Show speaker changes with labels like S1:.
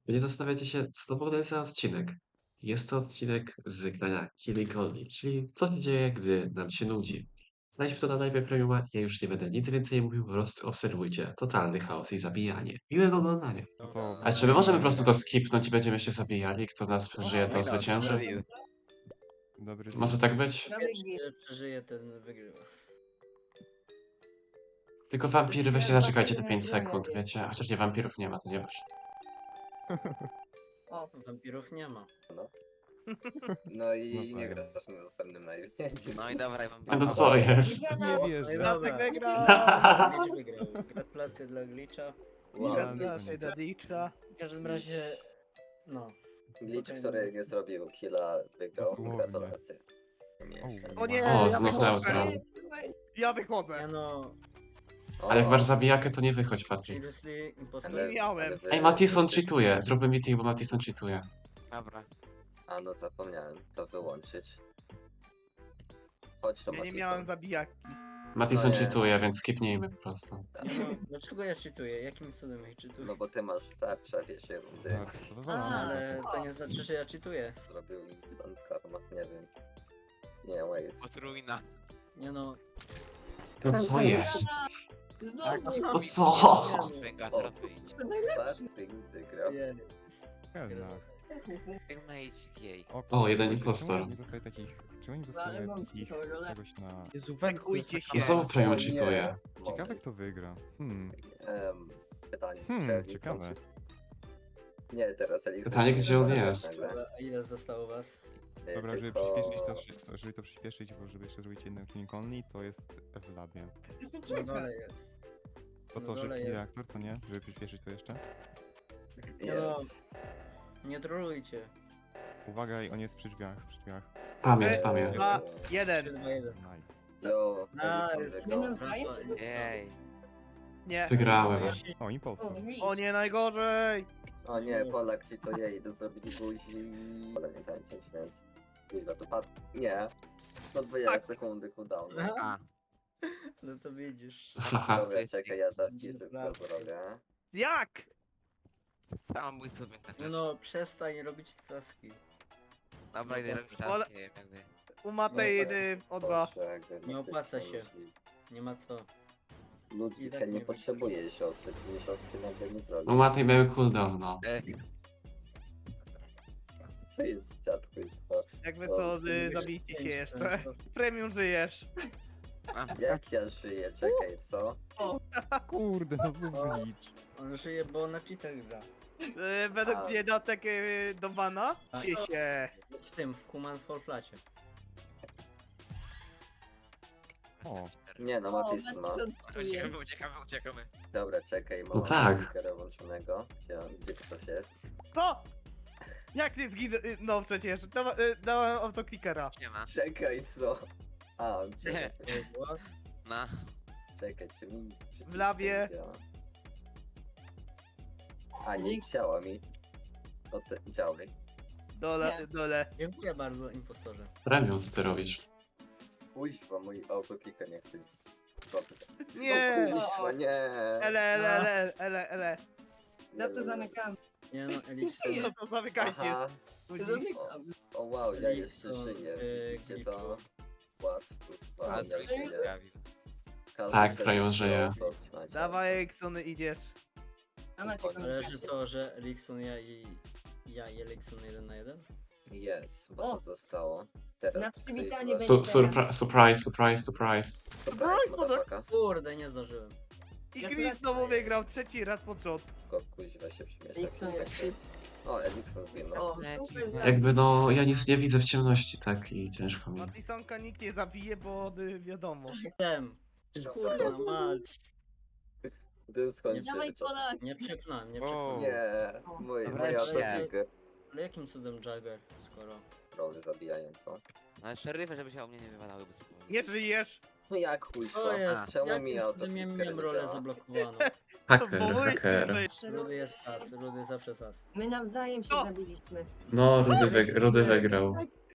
S1: Wy nie zastanawiacie się, co to w ogóle jest za odcinek. Jest to odcinek z grania Killing Only, czyli co się dzieje, gdy nam się nudzi. Znajdźmy to na live premiuma, ja już nie będę nic więcej mówił, po prostu obserwujcie. Totalny chaos i zabijanie. Miłego oglądania.
S2: No to
S1: A czy my możemy po prostu to skipnąć i będziemy się zabijali? Kto z nas przeżyje, to
S2: Wygrał,
S1: zwycięży?
S2: dobry deal. Dobry deal.
S1: Może tak być?
S3: Pierwszy przeżyje, ten wygrywa.
S1: Tylko wampiry, weźcie zaczekajcie te 5 sekund, wiecie? Chociaż nie, wampirów nie ma, to nie wiesz.
S4: O,
S3: Wampirów nie ma.
S5: No i
S2: No
S5: nie
S2: tak.
S5: grasz na następnym live.
S6: No i dobra, ja wam
S1: No
S6: powiem.
S1: co jest?
S2: Nie wierzę.
S3: Dobra.
S4: wygrał!
S3: Glitch wygrał. Gratulacje dla Glitcha.
S5: Wow.
S2: Gratulacje
S4: do Dicza.
S3: W każdym razie, no.
S5: Glitch, który nie zrobił killa, wygrał.
S2: Dosłownie.
S5: Gratulacje.
S4: O nie,
S1: O,
S4: ja
S1: znów
S4: wychodzę.
S1: Neuzron.
S4: Ja
S3: Ja
S4: wychodzę.
S3: no,
S1: Ale jak masz zabijakę, to nie wychodź, Patrick.
S3: seriously, impostor.
S4: Ale- miałem.
S5: wy-
S1: Ej, Matison cheatuje. Zróbmy meeting, bo Matison cheatuje.
S6: Dobra.
S5: A no zapomniałem to wyłączyć. Chodź to
S4: Ja nie
S5: Matison.
S4: miałem zabijaki.
S1: Matison
S5: No nie.
S1: cheatuje, więc skipnijmy po prostu.
S3: Nie no, dlaczego ja cheatuję? Jakim cudem ja cheatuję?
S5: No bo ty masz tarcza, wiesz, rundy.
S2: Tak, to wywalamy.
S3: Ale to nie znaczy, że ja cheatuję.
S5: Zrobił instant karma, nie wiem. Nie, wait.
S6: Potrójna.
S3: Nie no.
S1: No co jest?
S4: Znowu.
S1: No co?
S6: Wengator wyjdzie.
S5: Patrick wygrał.
S3: Nie.
S2: Jednak.
S6: Teammate jej.
S1: O, jeden
S2: czemu
S1: impostor.
S2: oni nie dostaje takich... Czemu nie
S4: Ale
S2: dostaje
S4: mam
S2: takich...
S4: ciekawą rolę.
S2: czegoś na...
S4: Jezu, węgujcie się.
S1: I znowu premium
S5: O nie.
S1: cheatuje.
S2: Ciekawe kto wygra.
S5: Pytanie. czy Elixon
S2: Ciekawe.
S5: czy- Nie, teraz Elixon.
S1: Pytanie,
S5: się
S1: gdzie on
S5: nazywa
S1: jest?
S5: nagle.
S3: A ile zostało was?
S2: Dobra, żeby
S5: Tylko-
S2: przyspieszyć to, żeby to przyspieszyć, bo żeby jeszcze zrobić jeden King Only, to jest w labie.
S4: Jestem
S3: Na
S4: czeka.
S3: dole jest.
S2: Po
S3: Na
S2: to,
S3: dole
S2: że
S3: jest.
S2: reaktor, co nie? Żeby przyspieszyć to jeszcze.
S3: Nie no.
S5: Jest.
S3: Nie trolujcie.
S2: Uwaga, i on jest przy drzwiach, przy drzwiach.
S1: Spamie, spamie.
S4: Dwa,
S3: 3,
S4: jeden.
S3: 2, 1.
S2: Nice.
S5: Co?
S3: Nice.
S5: Elixon
S4: Nie
S5: wygrał.
S4: nawzajem się zepsuło.
S6: Jej.
S4: Nie.
S1: Wygrałem.
S2: O, impostor.
S4: O nie, najgorzej.
S5: O nie, Polak ci to jej, to zrobili buzi. Ale nie tańczyć, więc... Kuźwa, to padł. Nie. No 20 sekundy cooldown.
S6: A,
S3: No to widzisz.
S1: Haha.
S5: Dobra, czekaj, ja taski szybko zrobię.
S4: Jak?
S6: samobójcą Wengator.
S3: No no, przestań robić taski.
S6: Dobra, idę robić
S4: Ale-
S6: taski, nie wiem jakby.
S4: U Matej o dwa.
S5: Boże, jakby
S3: Nie
S5: na
S3: opłaca
S5: tym
S3: się.
S5: są
S3: Nie ma co. I
S5: Ludwika
S3: tak
S5: nie
S3: nie
S5: potrzebuje siostry, mi siostry nagle nie zrobi.
S1: No łatwiej miały cooldown, no.
S6: Ej,
S5: To jest czat, kuźwa.
S4: Jakby to zabijcie się jeszcze.
S3: Jeszcze.
S4: Premium żyjesz.
S5: Jak ja żyję, czekaj, co?
S2: Kurde, no znów
S3: O.
S2: glitch.
S3: On żyje, bo na cheatach gra.
S4: Według
S5: A.
S4: mnie datek do bana.
S3: A.
S4: Się.
S3: W tym, w Human Fall Flacie.
S2: O.
S5: Nie no, Matis ma.
S6: uciekamy, uciekamy, uciekamy.
S5: Dobra, czekaj, mam
S1: No tak.
S5: speakera włączonego. Gdzie ktoś jest?
S4: Co? Jak nie zginął? No przecież. Dałem autoklikera.
S6: Nie ma.
S5: Czekaj, co? A, czekaj,
S6: Na.
S5: czekaj, czy mi...
S4: W labie.
S5: nie działa? A, nie chciała mi. No to działaj.
S4: Dole, dole.
S3: Dziękuję bardzo, impostorze.
S1: Premium, co ty robisz?
S5: Kuźwa, mój autoklika nie chce. Proces.
S4: Nie.
S5: No kuźwa, nie.
S4: Ele.
S7: Za to zamykam.
S3: Nie no, Elixir.
S4: No to zamykajcie.
S5: Aha.
S4: ludzi.
S7: Zamykam.
S5: O wow, ja jeszcze
S3: Elixir,
S5: żyję. Widzicie
S3: Glitchu.
S5: to? Łatwo
S6: A,
S5: spać, ja
S6: to się
S5: żyję.
S6: zjawił.
S5: Każdy
S1: Tak,
S5: chce
S1: Frejo
S5: mieć
S1: żyje.
S5: auto, trzymać
S4: Dawaj, Eksony, idziesz.
S7: A macie
S3: Ale że co, że Elixon ja i Elixon 1 na 1?
S5: Jest, bo
S7: O!
S5: to zostało. Teraz
S7: Na przywitanie
S5: Kuźwa.
S7: będzie.
S1: Surprise.
S5: Surprise, motherfucker.
S3: Kurde, nie zdążyłem.
S4: I
S7: Jak
S4: Chris
S7: lecę.
S4: znowu wygrał trzeci raz pod rząd.
S5: Tylko kuźwa się przemieszcza.
S7: Nixon jak szyb.
S5: O, Elikson zginął.
S7: O, super.
S1: Jakby no, ja nic nie widzę w ciemności, tak? I ciężko mi.
S4: Matisonka nikt nie zabije, bo wiadomo.
S3: Tem. Kurwa mać.
S5: Dyskon się
S7: Dawaj
S5: wyczas.
S7: Polak.
S3: Nie przepchnąłem, nie
S6: Wow.
S3: przepchnąłem.
S5: Nie, moja
S6: Wreszcie.
S5: autoklika.
S3: Ale jakim cudem Jagger, skoro...
S5: Role zabijająco.
S6: Ale szeryfy, żeby się o mnie nie wywalały bez powodu.
S4: Nie żyjesz.
S5: No jak kuźwa?
S3: O jest,
S5: Czemu mi
S3: jakim cudem ja
S5: autoklika
S3: miałem
S5: nie
S3: rolę
S5: działa?
S3: zablokowaną.
S1: Hacker.
S3: Rudy jest sas, Rudy zawsze sas.
S7: My nawzajem się
S4: O!
S7: zabiliśmy.
S1: No, Rudy wygrał.